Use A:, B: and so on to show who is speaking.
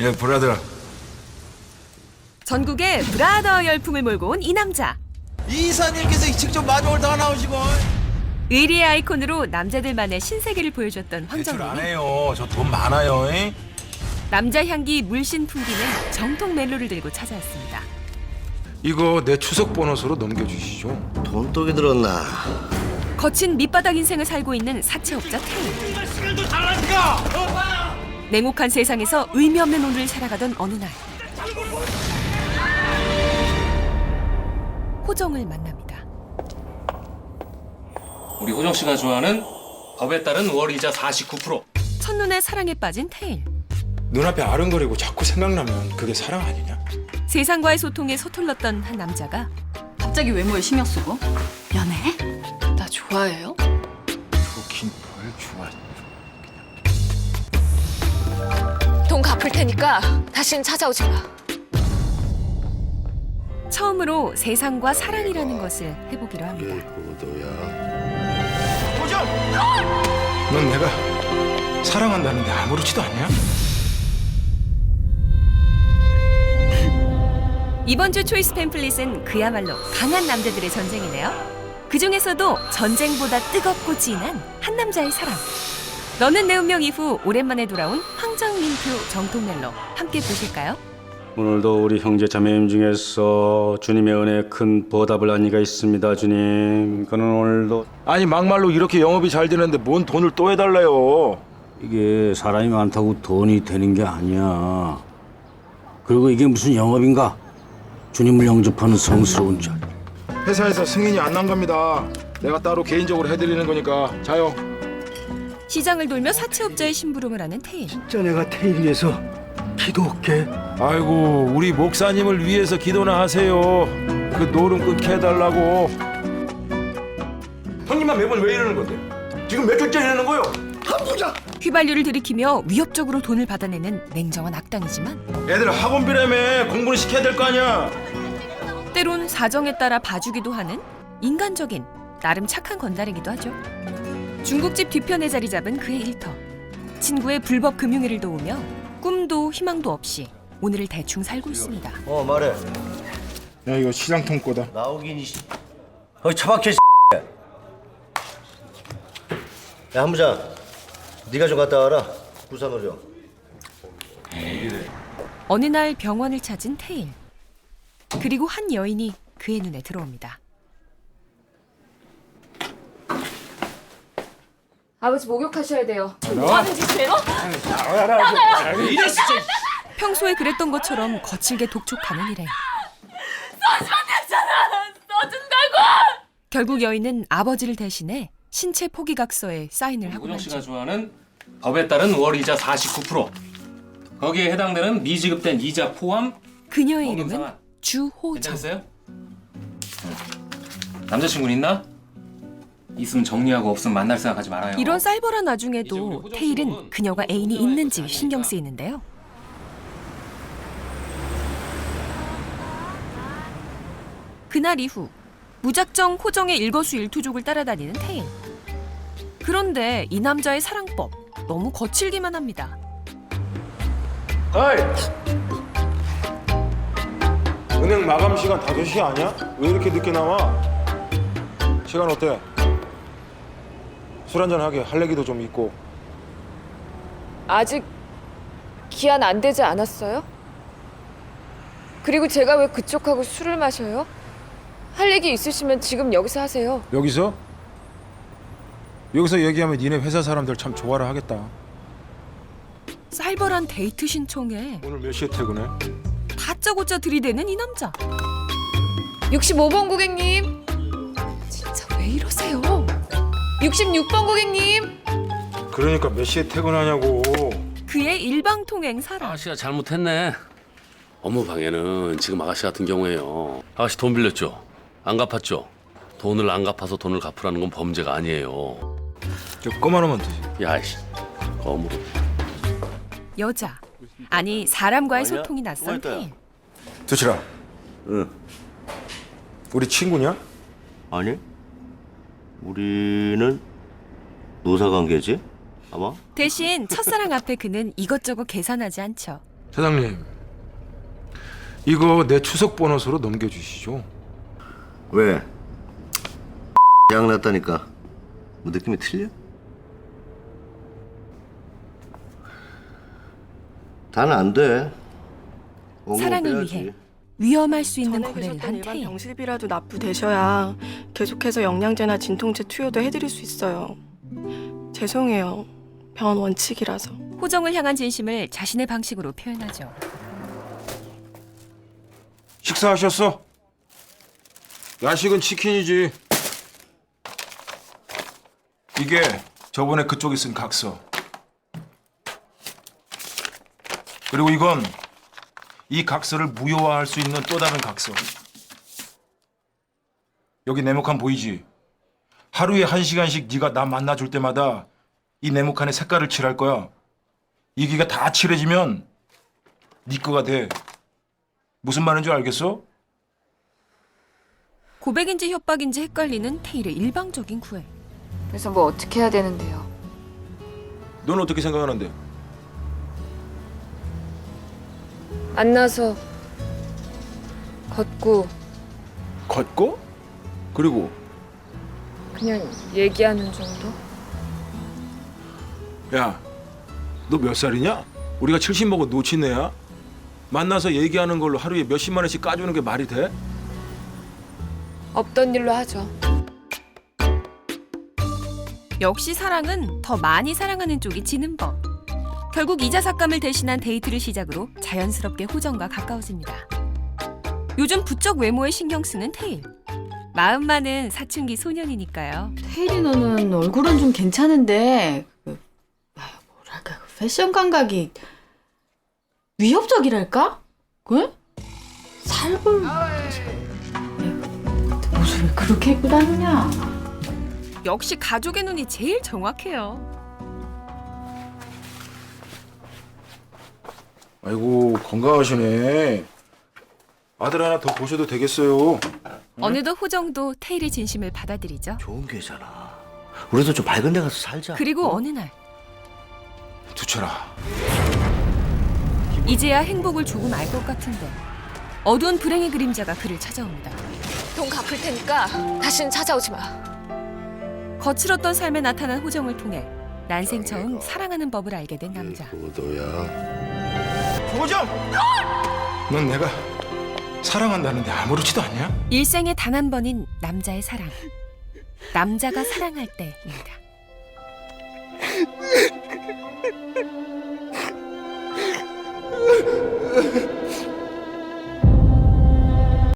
A: 예, 브라더.
B: 전국에 브라더 열풍을 몰고 온 이 남자.
C: 이사님께서 직접 마중을 다 나오시고.
B: 의리의 아이콘으로 남자들만의 신세계를 보여줬던
A: 대출 안
B: 황정민이
A: 해요. 저 돈 많아요. 에?
B: 남자 향기 물씬 풍기는 정통 멜로를 들고 찾아왔습니다.
A: 이거 내 추석 보너스로 넘겨주시죠.
D: 돈독이 들었나?
B: 거친 밑바닥 인생을 살고 있는 사채업자 태희. 냉혹한 세상에서 의미 없는 오늘을 살아가던 어느 날 호정을 만납니다.
E: 우리 호정 씨가 좋아하는 법에 따른 월이자 49%.
B: 첫눈에 사랑에 빠진 태일.
A: 눈앞에 아른거리고 자꾸 생각나면 그게 사랑 아니냐?
B: 세상과의 소통에 서툴렀던 한 남자가
F: 갑자기 외모에 신경 쓰고? 연애? 나 좋아해요?
A: 좋긴 뭘 좋아.
G: 돈 갚을 테니까 다시는 찾아오지 마.
B: 처음으로 세상과 사랑이라는 것을 해보기로 합니다.
D: 보도야.
A: 넌 내가 사랑한다는데 아무렇지도 않냐?
B: 이번 주 초이스 팸플릿은 그야말로 강한 남자들의 전쟁이네요. 그 중에서도 전쟁보다 뜨겁고 진한 한 남자의 사랑. 너는 내 운명 이후 오랜만에 돌아온 황정민표 정통 멜로 함께 보실까요?
H: 오늘도 우리 형제 자매님 중에서 주님의 은혜에 큰 보답을 한 이가 있습니다. 주님, 그는 오늘도
A: 아니 막말로 이렇게 영업이 잘 되는데 뭔 돈을 또 해달래요?
H: 이게 사람이 많다고 돈이 되는 게 아니야. 그리고 이게 무슨 영업인가? 주님을 영접하는 성스러운 자.
A: 회사에서 승인이 안 난 겁니다. 내가 따로 개인적으로 해드리는 거니까 자요.
B: 시장을 돌며 사채업자의 심부름을 하는 태일.
D: 진짜 내가 태일 위해서 기도할게.
A: 아이고 우리 목사님을 위해서 기도나 하세요. 그 노름 끊게 해달라고. 형님만 매번 왜 이러는 건데? 지금 몇 주째 이러는 거요?
B: 휘발유를 들이키며 위협적으로 돈을 받아내는 냉정한 악당이지만
A: 애들 학원비라며 공부는 시켜야 될 거 아니야.
B: 때론 사정에 따라 봐주기도 하는 인간적인 나름 착한 건달이기도 하죠. 중국집 뒤편에 자리 잡은 그의 일터. 친구의 불법 금융회를 도우며 꿈도 희망도 없이 오늘을 대충 살고 있습니다.
D: 말해.
A: 야 이거 시장통 거다.
D: 나오긴 이 처박혀. 야 한부장, 네가 좀 갔다 와라. 부산으로 좀.
B: 어느 날 병원을 찾은 태일. 그리고 한 여인이 그의 눈에 들어옵니다.
G: 아버지 목욕하셔야 돼요. 뭐 하는 짓이에요?
B: 평소에 그랬던 것처럼 거칠게 독촉하는 일행.
G: 써주면 됐잖아. 써준다고.
B: 결국 여인은 아버지를 대신해 신체 포기각서에 사인을 하고
E: 호정 씨가
B: 말죠.
E: 좋아하는 법에 따른 월이자 49%. 거기에 해당되는 미지급된 이자 포함.
B: 그녀의 이름은
E: 성금상환.
B: 주호정.
E: 괜찮으세요? 남자친구는 있나? 있으면 정리하고 없으면 만날 생각하지 말아요.
B: 이런 쌀벌한
E: 이제
B: 와중에도
E: 우리 호정
B: 태일은
E: 씨는
B: 그녀가 애인이
E: 좋아해서
B: 있는지
E: 다행이니까.
B: 신경 쓰이는데요. 그날 이후 무작정 호정의 일거수일투족을 따라다니는 태일. 그런데 이 남자의 사랑법 너무 거칠기만 합니다.
A: 어이! 은행 마감 시간 5시 아니야? 왜 이렇게 늦게 나와? 시간 어때? 술 한잔 하게 할 얘기도 좀 있고.
G: 아직 기한 안 되지 않았어요? 그리고 제가 왜 그쪽하고 술을 마셔요? 할 얘기 있으시면 지금 여기서 하세요.
A: 여기서? 여기서 얘기하면 니네 회사 사람들 참 좋아라 하겠다.
B: 쌀벌한 데이트 신청에
A: 오늘 몇 시에 퇴근해?
B: 다짜고짜 들이대는 이 남자.
G: 65번 고객님. 진짜 왜 이러세요? 66번 고객님.
A: 그러니까 몇 시에 퇴근하냐고.
B: 그의 일방통행 사랑.
I: 아가씨가 잘못했네. 업무방해는 지금 아가씨 같은 경우에요. 아가씨 돈 빌렸죠? 안 갚았죠? 돈을 안 갚아서 돈을 갚으라는 건 범죄가 아니에요.
A: 저 그만하면 되지.
I: 야이씨, 거물어.
B: 여자. 아니 사람과의
D: 아니야?
B: 소통이 낯선
D: 그만했다, 야.
B: 태일.
A: 두치라.
D: 응.
A: 우리 친구냐?
D: 아니. 우리는 노사관계지? 아마?
B: 대신 첫사랑 앞에 그는 이것저것 계산하지 않죠.
A: 사장님, 이거 내 추석 보너스로 넘겨주시죠.
D: 왜? 양 났다니까. 뭐 느낌이 틀려? 다는 안 돼.
B: 사랑을 위해 위험할 수 있는 거래를 한
J: 일반
B: 태일.
J: 병실비라도 납부되셔야 계속해서 영양제나 진통제 투여도 해드릴 수 있어요. 죄송해요. 병원 원칙이라서.
B: 호정을 향한 진심을 자신의 방식으로 표현하죠.
A: 식사하셨어? 야식은 치킨이지. 이게 저번에 그쪽에 쓴 각서. 그리고 이건 이 각서를 무효화할 수 있는 또 다른 각서. 여기 네모칸 보이지? 하루에 1시간씩 네가 나 만나줄 때마다 이 네모칸에 색깔을 칠할 거야. 이기가 다 칠해지면 네 거가 돼. 무슨 말인지 알겠어?
B: 고백인지 협박인지 헷갈리는 태일의 일방적인 구애.
G: 그래서 뭐 어떻게 해야 되는데요?
A: 넌 어떻게 생각하는데?
G: 만나서 걷고
A: 걷고? 그리고
G: 그냥 얘기하는 정도?
A: 야, 너 몇 살이냐? 우리가 70 먹은 노친애야? 만나서 얘기하는 걸로 하루에 몇십만 원씩 까주는 게 말이 돼?
G: 없던 일로 하죠.
B: 역시 사랑은 더 많이 사랑하는 쪽이 지는 법. 결국 이자 삭감을 대신한 데이트를 시작으로 자연스럽게 호정과 가까워집니다. 요즘 부쩍 외모에 신경 쓰는 태일. 마음만은 사춘기 소년이니까요.
F: 태일이 너는 얼굴은 좀 괜찮은데 뭐랄까 패션 감각이 위협적이랄까? 그? 살벌 옷을 왜 그렇게 입고 다니냐?
B: 역시 가족의 눈이 제일 정확해요.
A: 아이고, 건강하시네. 아들 하나 더 보셔도 되겠어요.
B: 어느덧 호정도 태일의 진심을 받아들이죠.
D: 좋은 기회잖아. 우리도 좀 밝은 데 가서 살자.
B: 그리고 어느 날
A: 두철아,
B: 이제야 행복을 조금 알 것 같은데 어두운 불행의 그림자가 그를 찾아옵니다.
G: 돈 갚을 테니까 다시는 찾아오지 마.
B: 거칠었던 삶에 나타난 호정을 통해 난생 처음 사랑하는 법을 알게 된 남자.
A: 호정! 넌 내가 사랑한다는데 아무렇지도 않냐?
B: 일생에 단 한 번인 남자의 사랑. 남자가 사랑할 때입니다.